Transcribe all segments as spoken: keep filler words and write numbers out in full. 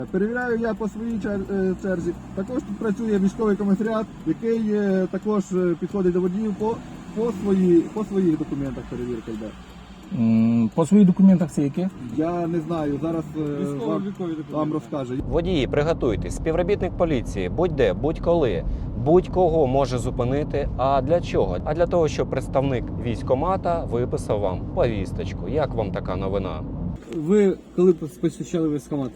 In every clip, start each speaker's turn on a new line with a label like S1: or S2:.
S1: Перевіряю я по своїй чер- черзі. Також тут працює військовий комісаріат, який е, також е, підходить до водіїв по, по, свої, по своїх документах перевірка йде.
S2: М, По своїх документах це яке?
S1: Я не знаю, зараз е, вам, вам розкаже.
S3: Водії, приготуйтесь. Співробітник поліції будь-де, будь-коли, будь-кого може зупинити. А для чого? А для того, щоб представник військкомата виписав вам повісточку. Як вам така новина?
S4: Ви коли посвящали військкомат?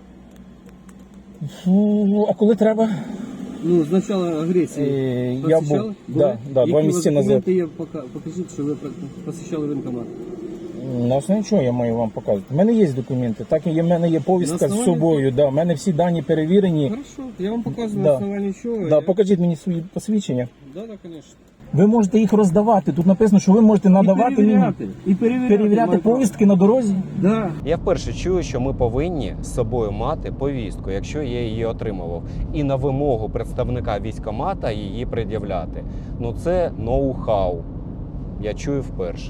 S2: Фу, а коли треба?
S4: Ну, з початку агресії.
S2: Е, я
S4: Посвящали?
S2: був, да, да, два
S4: Які
S2: місяці
S4: у вас
S2: назад.
S4: документи є? Пока- Покажіть, що ви посвящали воєнкомат.
S2: На основі чого я маю вам показувати? У мене є документи, так і в мене є повістка
S4: На
S2: з
S4: основі-
S2: собою. Да, у мене всі дані перевірені.
S4: Хорошо, я вам показую
S2: Да.
S4: на основанні чого.
S2: Да,
S4: я...
S2: покажіть мені свої посвідчення.
S4: Да, да, конечно.
S2: Ви можете їх роздавати. Тут написано, що ви можете надавати
S4: і
S2: мені
S4: перевіряти. І перевіряти,
S2: перевіряти
S4: маю право.
S2: повістки на дорозі.
S4: Да.
S3: Я вперше чую, що ми повинні з собою мати повістку, якщо я її отримував, і на вимогу представника військкомата її пред'являти. Ну це ноу-хау. Я чую вперше.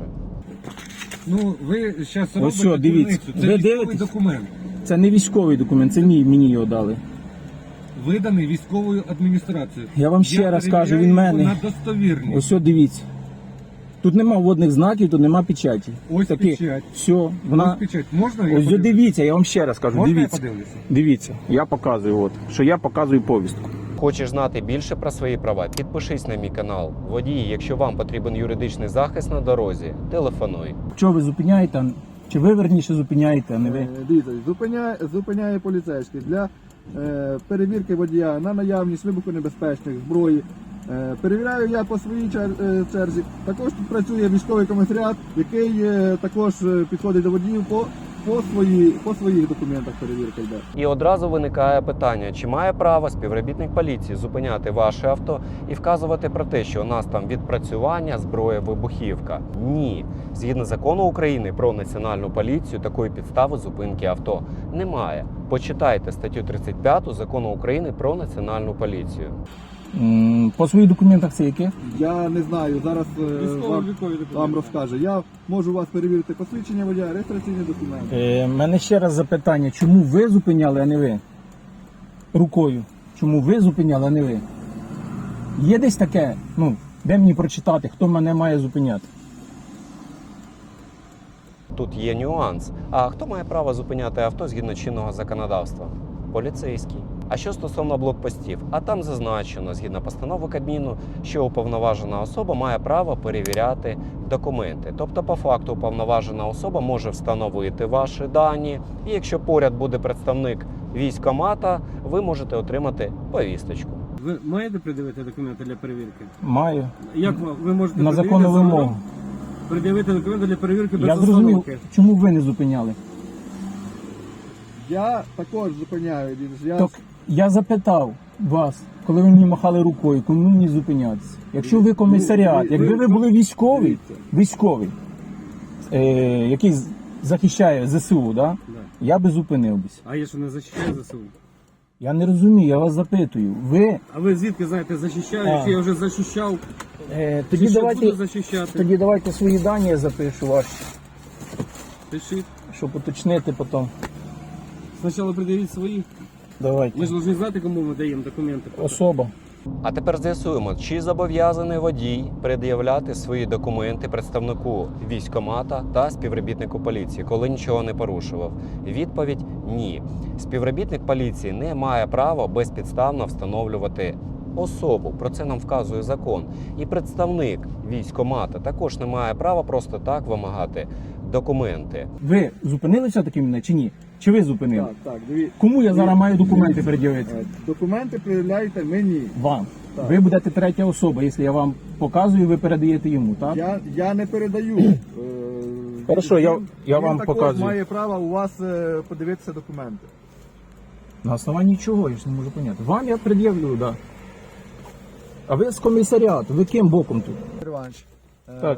S4: Ну, ви зараз робите
S2: Ось що, дивіться.
S4: дурницю. Це
S2: Ви
S4: військовий
S2: дивитесь?
S4: документ.
S2: Це не військовий документ, це мій, мені його дали.
S4: Виданий військовою адміністрацією.
S2: Я вам ще раз кажу, він
S4: перевіряю
S2: мене.
S4: його на достовірність.
S2: Ось що, дивіться. Тут нема водних знаків, тут нема печаті.
S4: Ось
S2: Такі.
S4: печать.
S2: Все,
S4: Ось
S2: вона.
S4: печать. Можна я
S2: Ось
S4: подивлюсь?
S2: дивіться, я вам ще раз кажу.
S4: Можна я
S2: Дивіться.
S4: подивлюся?
S2: Дивіться, я показую, от, що я показую повістку.
S3: Хочеш знати більше про свої права? Підпишись на мій канал. Водії, якщо вам потрібен юридичний захист на дорозі, телефонуй.
S2: Що ви зупиняєте? Чи ви верніше зупиняєте, а не ви?
S1: Е, Дивіться, зупиняє, зупиняє поліцейський для е, перевірки водія на наявність вибухонебезпечних зброї. Е, перевіряю я по своїй чер- е, черзі. Також тут працює військовий комісаріат, який е, також е, підходить до водіїв по, по, свої, по своїх документах перевірка йде.
S3: І одразу виникає питання, чи має право співробітник поліції зупиняти ваше авто і вказувати про те, що у нас там відпрацювання, зброя, вибухівка? Ні. Згідно закону України про національну поліцію, такої підстави зупинки авто немає. Почитайте статтю тридцять п'яту закону України про національну поліцію.
S2: М, По своїх документах це яке?
S1: Я не знаю, зараз е,
S4: Військовий
S1: вам,
S4: військовий документ.
S1: вам розкаже. Я можу у вас перевірити посвідчення водія, реєстраційні документи.
S2: Е, мене ще раз запитання, чому ви зупиняли, а не ви? Рукою. Чому ви зупиняли, а не ви? Є десь таке, ну, де мені прочитати, хто мене має зупиняти?
S3: Тут є нюанс. А хто має право зупиняти авто згідно чинного законодавства? Поліцейський. А що стосовно блокпостів? А там зазначено, згідно постанови Кабміну, що уповноважена особа має право перевіряти документи. Тобто, по факту, уповноважена особа може встановити ваші дані, і якщо поряд буде представник військкомата, ви можете отримати повісточку.
S4: Ви маєте придивити документи для перевірки?
S2: Маю.
S4: Як ви, ви можете
S2: На
S4: пред'явити
S2: законну
S4: за рулем?
S2: вимогу.
S4: Пред'явити документи для перевірки без
S2: Я зрозумів,
S4: остановки?
S2: чому ви не зупиняли.
S1: Я також зупиняю. Я...
S2: Так, я запитав вас, коли ви мені махали рукою, кому мені зупинятися? Якщо ви комісаріат,
S1: Ви-
S2: якби
S1: ви-
S2: ви були військовий,
S1: Дивіться.
S2: військовий, е, який з- захищає ЗСУ, да?
S4: Да.
S2: Я би зупинився.
S4: А я що не захищаю ЗСУ?
S2: Я не розумію, я вас запитую. Ви
S4: А ви звідки знаєте, захищаю,
S2: А.
S4: чи я вже захищав,
S2: е,
S4: чи
S2: тоді
S4: ще
S2: давайте,
S4: буду захищати?
S2: тоді давайте свої дані я запишу ваші,
S4: Пишіть.
S2: щоб уточнити потім.
S4: Спочатку пред'явіть свої.
S2: Давайте.
S4: Ми ж повинні знати, кому ми даємо документи.
S2: Особа.
S3: А тепер з'ясуємо, чи зобов'язаний водій пред'являти свої документи представнику військкомата та співробітнику поліції, коли нічого не порушував. Відповідь – ні. Співробітник поліції не має права безпідставно встановлювати особу. Про це нам вказує закон. І представник військкомата також не має права просто так вимагати документи.
S2: Ви зупинили все-таки мене чи ні? Чи ви зупинили?
S1: Так, так, диві...
S2: Кому я зараз маю документи пред'явити?
S1: Е, Документи пред'являєте мені.
S2: Вам.
S1: Так.
S2: Ви будете третя особа, якщо я вам показую, ви передаєте йому, так?
S1: Я, я не передаю. Е,
S2: Хорошо, я-
S1: він-
S2: я
S1: він
S2: вам
S1: також
S2: показую.
S1: має право у вас е, подивитися документи.
S2: На основанні чого, я ж не можу поняти. Вам я пред'явлю, так. Да. А ви з комісаріату, ви ким боком тут?
S1: Іванович, е,
S2: Так.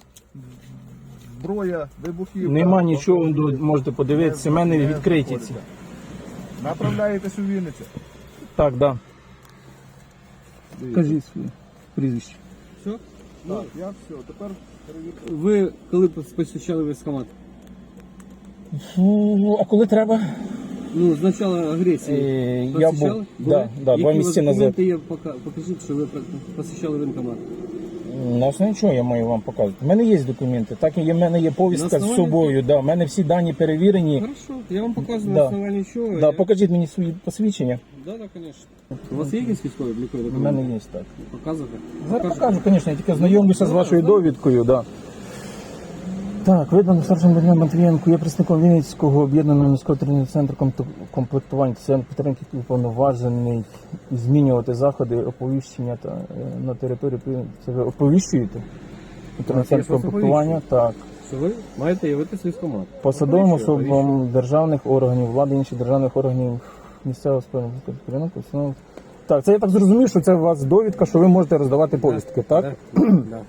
S1: зброя, вибухівка.
S2: Нема нічого, ви
S1: автомобіль.
S2: можете подивитися, в мене
S1: Не
S2: відкриті ці.
S1: знаходиться. Направляєтесь у Вінницю.
S2: Так, так. Да.
S1: Дивіться.
S2: Кажіть своє прізвище.
S4: Все?
S1: Так, я все, тепер перевірка.
S4: Ви коли посвящали військкомат?
S2: Фу, а коли треба?
S4: Ну, з початку агресії.
S2: Е, я
S4: Посещали?
S2: був,
S4: Були?
S2: да, да,
S4: Які
S2: два
S4: у вас
S2: місяці назад.
S4: документи є? Пока- Покажіть, що ви посещали воєнкомат.
S2: На основі чого я маю вам показувати? У мене є документи, так і в мене є повістка
S4: На
S2: з
S4: основанні-
S2: собою. Да, у мене всі дані перевірені.
S4: Хорошо, я вам показую
S2: Да.
S4: на основанні чого.
S2: Да,
S4: я...
S2: покажіть мені свої посвідчення.
S4: Да, да, конечно. У вас є якісь військові облікові
S2: У
S4: документи?
S2: мене є так.
S4: Показувати?
S2: Зараз покажу, звісно, я тільки знайомлюся з вашою довідкою. Да. Так, видано старшим Богданом Матвієнку, є представником Вінницького об'єднаного міського тренінгового центру комп- комплектування та підтримки, уповноважений змінювати заходи оповіщення та е, на території. Це ви оповіщуєте? Центр комплектування, так.
S4: Що ви маєте явитися військкомат.
S2: Посадовим
S4: Оповіщую,
S2: особам державних органів влади, інших державних органів місцевого спільноти. Так, це я так зрозумів, що це у вас довідка, що ви можете роздавати повістки, так?
S4: Да. Да.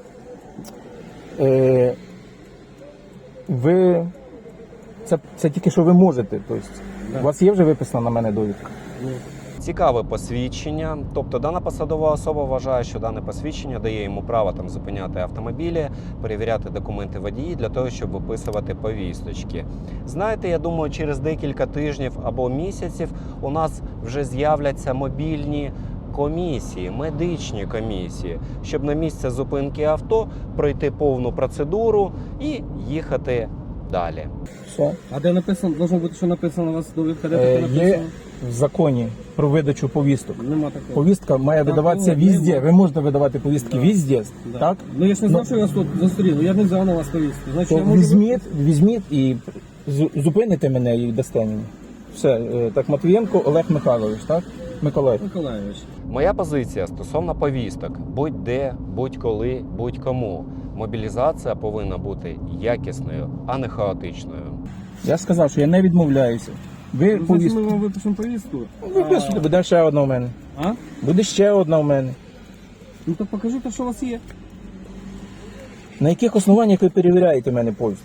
S2: Е, ви це, це тільки що ви можете. Тобто,
S4: Да.
S2: у вас є вже виписана на мене довідка?
S4: Ну,
S3: Цікаве посвідчення, тобто дана посадова особа вважає, що дане посвідчення дає йому право там зупиняти автомобілі, перевіряти документи водії для того, щоб виписувати повісточки. Знаєте, я думаю, через декілька тижнів або місяців у нас вже з'являться мобільні комісії, медичні комісії, щоб на місце зупинки авто пройти повну процедуру і їхати далі.
S2: Все.
S4: А де написано, должно бути, що написано у вас довідка, де
S2: Е,
S4: таке
S2: є
S4: написано?
S2: в законі про видачу повісток.
S4: Нема такого.
S2: Повістка має
S4: Так,
S2: видаватися
S4: ну,
S2: везде.
S4: нема.
S2: Ви можете видавати повістки
S4: Да.
S2: везде,
S4: Да.
S2: так?
S4: Ну я ж не знав,
S2: Ну,
S4: що я вас тут зустрів, я не взяв на вас повістку. Значить,
S2: То
S4: я можу...
S2: візьміть, візьміть і з- зупините мене і дасте мені. Все, е, так, Матвієнко Олег Михайлович, так? Миколаїв.
S4: Миколаївич.
S3: Моя позиція стосовно повісток: будь-де, будь-коли, будь-кому. Мобілізація повинна бути якісною, а не хаотичною.
S2: Я ж сказав, що я не відмовляюся. Ви
S4: Ну, значить,
S2: повістку.
S4: ми вам випишемо повістку.
S2: Виписуйте, буде ще одна у мене.
S4: А?
S2: Буде ще одна у мене.
S4: Ну то покажи те, що у вас є.
S2: На яких основаннях ви перевіряєте мене повістку?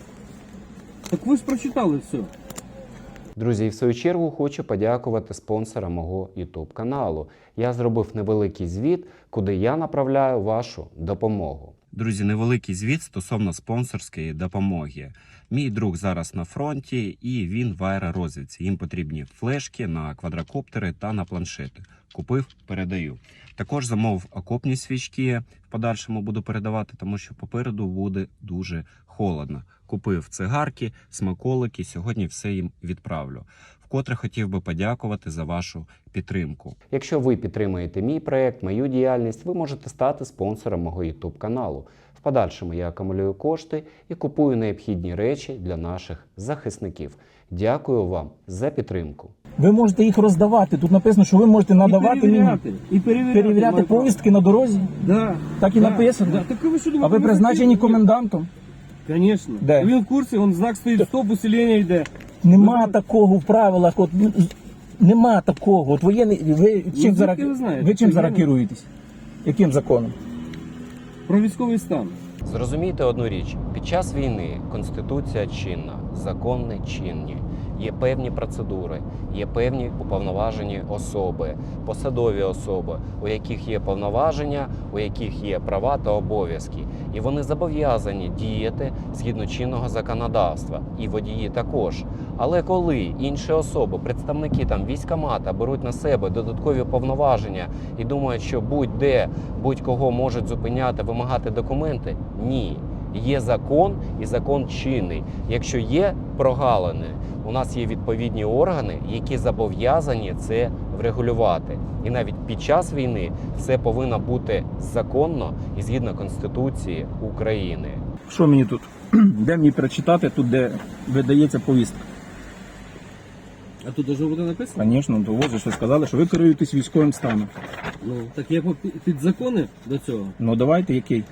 S4: Так ви ж прочитали все.
S3: Друзі, і в свою чергу хочу подякувати спонсорам мого YouTube каналу. Я зробив невеликий звіт, куди я направляю вашу допомогу. Друзі, невеликий звіт стосовно спонсорської допомоги. Мій друг зараз на фронті і він в аеророзвідці. Їм потрібні флешки на квадрокоптери та на планшети. Купив, передаю. Також замовив окопні свічки, в подальшому буду передавати, тому що попереду буде дуже холодно. Купив цигарки, смаколики, сьогодні все їм відправлю. Вкотре хотів би подякувати за вашу підтримку. Якщо ви підтримуєте мій проект, мою діяльність, ви можете стати спонсором мого YouTube каналу. В подальшому я акумулюю кошти і купую необхідні речі для наших захисників. Дякую вам за підтримку.
S2: Ви можете їх роздавати. Тут написано, що ви можете надавати
S4: і
S2: мені
S4: перевіряти. І перевіряти,
S2: перевіряти
S4: маю право.
S2: повістки на дорозі.
S4: Да.
S2: Так і
S4: да.
S2: написано.
S4: Да. Так ви що
S2: А
S4: думаєте,
S2: ви
S4: ми
S2: призначені
S4: хотіли?
S2: комендантом?
S4: Конечно.
S2: Де?
S4: Він в курсі, он знак стоїть, стоп, усилення йде.
S2: Нема
S4: Ви-
S2: такого в правилах. От, ну, нема такого. От воєнний, ви чим
S4: звідки
S2: зараз,
S4: ви знаєте?
S2: ви чим
S4: Це
S2: зараз
S4: я-
S2: керуєтесь? Яким законом?
S4: Про військовий стан.
S3: Зрозумійте одну річ: під час війни Конституція чинна, закони чинні. Є певні процедури, є певні уповноважені особи, посадові особи, у яких є повноваження, у яких є права та обов'язки. І вони зобов'язані діяти згідно чинного законодавства. І водії також. Але коли інші особи, представники там військкомата, беруть на себе додаткові повноваження і думають, що будь-де, будь-кого можуть зупиняти, вимагати документи, ні. Є закон і закон чинний. Якщо є прогалини, у нас є відповідні органи, які зобов'язані це врегулювати. І навіть під час війни все повинно бути законно і згідно Конституції України.
S2: Що мені тут? Де мені перечитати тут, де видається повістка?
S4: А тут должно бути написано?
S2: Звісно, то ось же що сказали, що ви керуєтесь військовим станом.
S4: Ну, так є по- під закони до цього.
S2: Ну давайте який?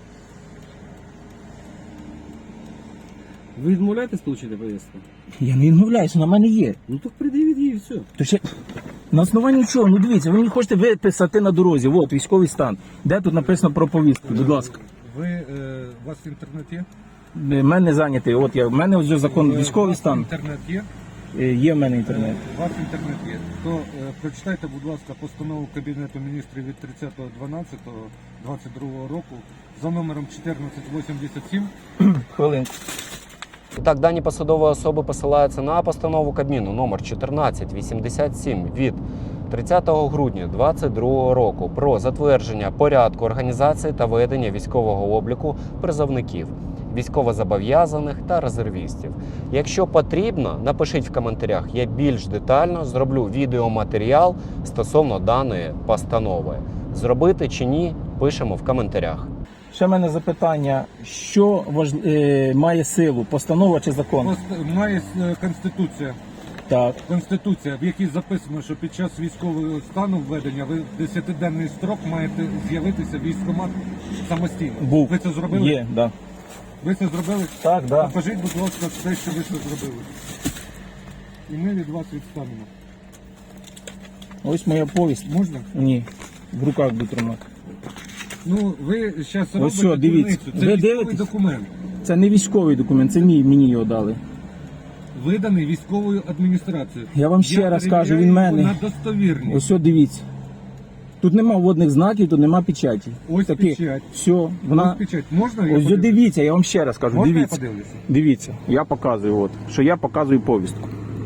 S4: Ви відмовляєтесь отримати повістку?
S2: Я не відмовляюся, на мене є.
S4: Ну так придивіть її і все.
S2: То ще на основанні чого? Ну дивіться, ви мені хочете виписати на дорозі. От військовий стан. Де тут написано про повістку? Будь ласка.
S5: Ви е, у вас інтернет є?
S2: В мене зайнятий. От я в мене вже закон
S5: Е, у
S2: військовий
S5: вас
S2: стан.
S5: Інтернет є?
S2: Е, Є в мене інтернет.
S5: У вас інтернет є. То е, прочитайте, будь ласка, постанову Кабінету міністрів від тридцятого дванадцятого двадцять другого року за номером чотирнадцять вісімдесят сім.
S2: Хвилинку.
S3: І так, дані посадової особи посилаються на постанову Кабміну номер чотирнадцять вісімдесят сім від тридцятого грудня двадцять другого року про затвердження порядку організації та ведення військового обліку призовників, військовозобов'язаних та резервістів. Якщо потрібно, напишіть в коментарях, я більш детально зроблю відеоматеріал стосовно даної постанови. Зробити чи ні, пишемо в коментарях.
S2: Ще в мене запитання, що важ... е, має силу, постанова чи закон?
S5: Пост- Має е, Конституція.
S2: Так.
S5: Конституція, в якій записано, що під час військового стану введення ви в десятиденний строк маєте з'явитися в військкомат самостійно.
S2: Був.
S5: Ви це зробили?
S2: Є, да.
S5: Ви це зробили?
S2: Так, да.
S5: Покажіть, будь ласка, те, що ви це зробили. І ми від вас відстанемо.
S2: Ось моя повість.
S5: Можна?
S2: Ні. В руках буду тримати.
S5: Ну, ви зараз робите
S2: що, дивіться.
S5: дурницю. Це
S2: Ви
S5: військовий
S2: дивитесь?
S5: документ.
S2: Це не військовий документ, це мій, мені його дали.
S5: Виданий військовою адміністрацією.
S2: Я вам ще раз кажу,
S5: перевіряю
S2: він мене.
S5: його на достовірність.
S2: Ось, от дивіться. Тут нема водних знаків, тут нема печаті.
S5: Ось
S2: Такі.
S5: печать.
S2: Все,
S5: Ось
S2: вона.
S5: печать. Можна я
S2: Ось
S5: подивлюсь?
S2: дивіться, я вам ще раз кажу,
S5: Можна
S2: дивіться.
S5: я подивлюся?
S2: Дивіться, я показую, от, що я показую повістку.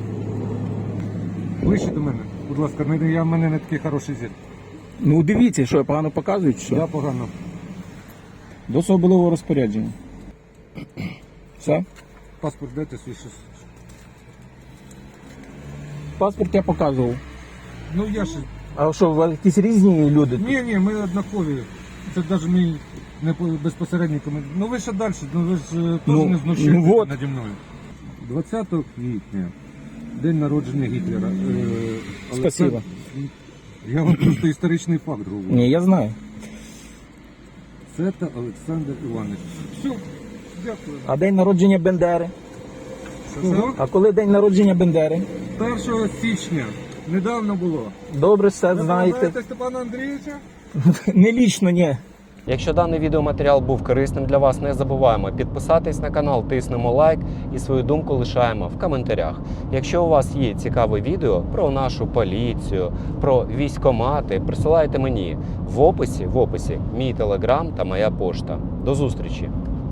S5: Ближче до мене. Будь ласка, не- я в мене не такий хороший зір.
S2: Ну дивіться, що я погано показую, чи що?
S5: Я погано.
S2: До особливого розпорядження. Все?
S5: Паспорт дайте свій щось.
S2: Паспорт я показував.
S5: Ну я ж.
S2: А що, ви якісь різні люди?
S5: Ні, ні, ми однакові. Це навіть мій не по- безпосередній коментар. Ну ви ще далі, ну ви ж е, теж
S2: Ну,
S5: не знущаєтеся
S2: ну вот.
S5: наді мною. двадцятого квітня, день народження Гітлера. Е, але
S2: Спасибо.
S5: це- Я вам просто історичний факт говорю.
S2: Ні, я знаю.
S5: Це та Олександр Іванович. Все, дякую.
S2: А день народження Бендери?
S5: Що?
S2: А коли день народження Бендери?
S5: першого січня. Недавно було.
S2: Добре, все
S5: Ви
S2: знаєте.
S5: пам'ятаєте Степана Андрійовича?
S2: Не лічно, ні.
S3: Якщо даний відеоматеріал був корисним для вас, не забуваємо підписатись на канал, тиснемо лайк і свою думку лишаємо в коментарях. Якщо у вас є цікаве відео про нашу поліцію, про військкомати, присилайте мені в описі, в описі мій телеграм та моя пошта. До зустрічі!